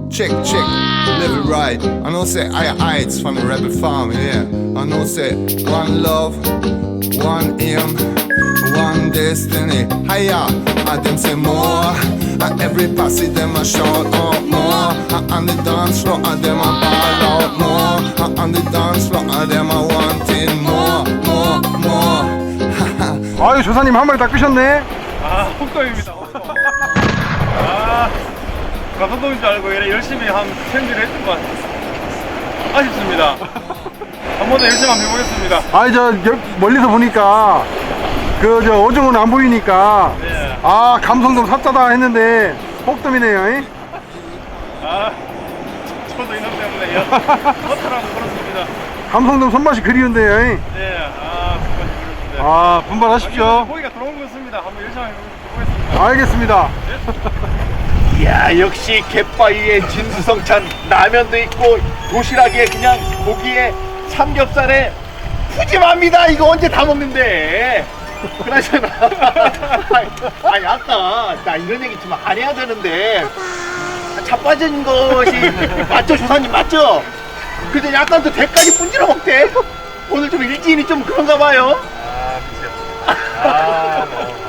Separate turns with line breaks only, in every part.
check, live it right. I know say it's from the rebel farm, yeah. I know say one love, one aim, one destiny. Hiya, and them say more. And every passage them a shout out more. And the dance floor and them a ball out more. And the dance floor and them a wanting more.
아유 조사님 한 마리 다 끄셨네.
아, 홍동입니다. 아, 감성동인 줄 알고 이래 열심히 한 챔질을 했던 것 같아요. 아쉽습니다. 한 번 더 열심히 한번 해보겠습니다.
아니 저 멀리서 보니까 그 저 어종은 안 보이니까
네.
아 감성돔 삽자다 했는데 혹돔이네요. 이?
아, 저도 이놈 때문에 허탈하고 그렇습니다.
감성돔 손맛이 그리운데요. 이?
네, 아, 정말 그렇습니다.
아 분발하십시오.
고기가 들어온 것 같습니다. 한번 열심히 해보겠습니다.
알겠습니다.
이야 역시 갯바위에 진수성찬 라면도 있고 도시락에 그냥 고기에 삼겹살에 푸짐합니다. 이거 언제 다 먹는데. 그나저나 아니 아까 나 이런 얘기 좀 안 해야 되는데 자빠진 것이 맞죠 조사님 맞죠? 근데 약간 또 대까지 분질러 먹대. 오늘 좀 일진이 좀 그런가 봐요.
아,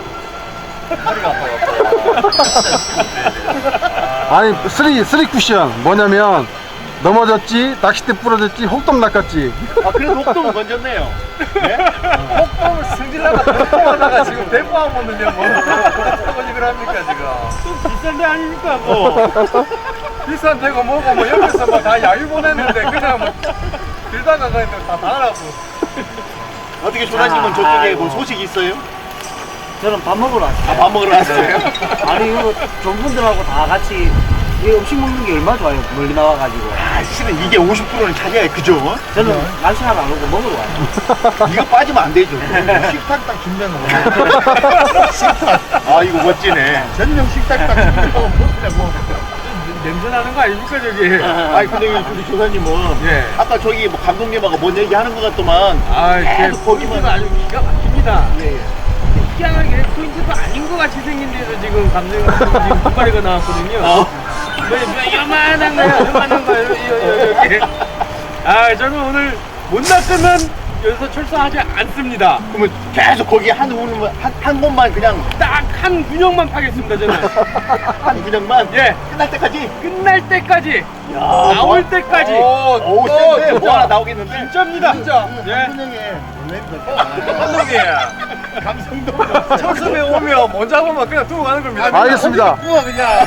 아니 쓰리 쿠션 뭐냐면 넘어졌지 낚싯대 부러졌지 혹돔 낚았지.
아 그래도 혹동은 건졌네요. 네?
혹돔을 승질나가 대포하다가 지금 대포하고 오는데 뭐 어디를 합니까 지금? 좀 비싼 데 아닙니까 뭐? 비싼 데고 뭐고 뭐 옆에서 뭐 다 야유 보냈는데 그냥 뭐 들다가 그냥 다 나가라고.
어떻게 조사님은 저쪽에 뭐 소식 있어요?
저는 밥 먹으러 왔어요.
아, 밥 먹으러 왔어요?
아니 이거 좋은 분들하고 다 같이 이 음식 먹는 게 얼마나 좋아요. 멀리 나와가지고.
아, 실은 이게 50%는 차지해, 그죠?
저는 날씨하고 안 오고 먹으러 와요.
이거 빠지면 안 되죠. 식탁 딱 준비하는 거. 식탁. 아, 이거 멋지네. 전용 식탁 딱 준비하고 먹으려고.
냄새 나는 거 아닙니까 저기?
아니, 근데 우리 조사님은
예.
아까 저기 뭐 감독님하고 뭔 얘기 하는 것 같더만.
제
계속 거기만.
아주 기가 막힙니다.
예, 예.
희한하게 포인트도 아닌 것 같이 생긴 데서 지금 감독님 지금 두 마리가 나왔거든요. 뭐 요만한 거야, 요만한 거야, 여기. 아, 저는 오늘 못 낚으면 여기서 출소하지 않습니다.
그러면 계속 거기 한 곳만 그냥
딱 한 군형만 파겠습니다, 저는.
한 군형만.
예,
끝날 때까지.
끝날 때까지,
야,
나올 때까지.
오, 센데 뭐 하나 나오겠는데?
진짜입니다. 진짜. 예.
한 군형에
감독이야.
감성도
첫숨에 오면 못 잡으면 그냥 두고 가는 겁니다.
알겠습니다.
우와 그냥.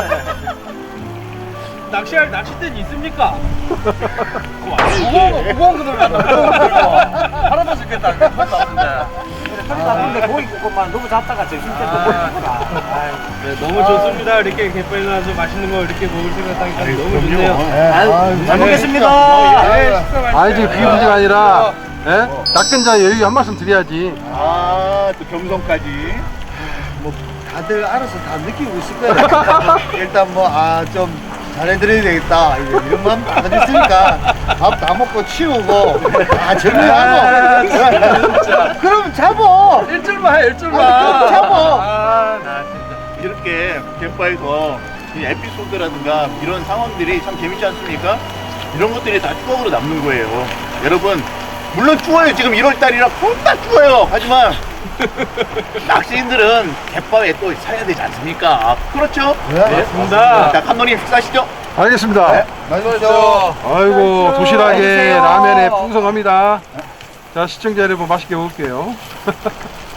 낚시할 낚싯대는 있습니까?
이게.
무거운 거 들어간다. 할아버지 죽겠다.
허리 나쁜데 고기 굽고만 너무 잡다가 정신 때문에 먹으니까.
네, 너무 좋습니다. 이렇게 갯벌에 나와서 맛있는 거 이렇게 먹을 생각하니까 너무 좋네요.
아유, 잘
네.
먹겠습니다.
네, 식사 맛있게.
아니 지금 그게 문제가 아니라 예? 낚은 자 여유 한 말씀 드려야지.
아, 또 경성까지.
뭐 다들 알아서 다 느끼고 있을 거예요. 일단 뭐 좀 잘해드려야 되겠다 이런 마음 다 가졌으니까 밥 다 먹고 치우고 다 정리하고 그럼 잡어.
일줄만 해, 일줄만.
그럼 잡어.
아, 나 진짜.
이렇게 갯바에서 이 에피소드라든가 이런 상황들이 참 재밌지 않습니까? 이런 것들이 다 추억으로 남는 거예요. 여러분, 물론 추워요. 지금 1월달이라 겁나 추워요. 하지만 낚시인들은 갯바에 또 사야 되지 않습니까? 그렇죠?
네,
맞습니다.
자, 감독님 식사하시죠.
알겠습니다.
네, 맛있죠.
아이고 도시락에
맛있어요.
라면에 풍성합니다. 자 시청자 여러분 맛있게 먹을게요.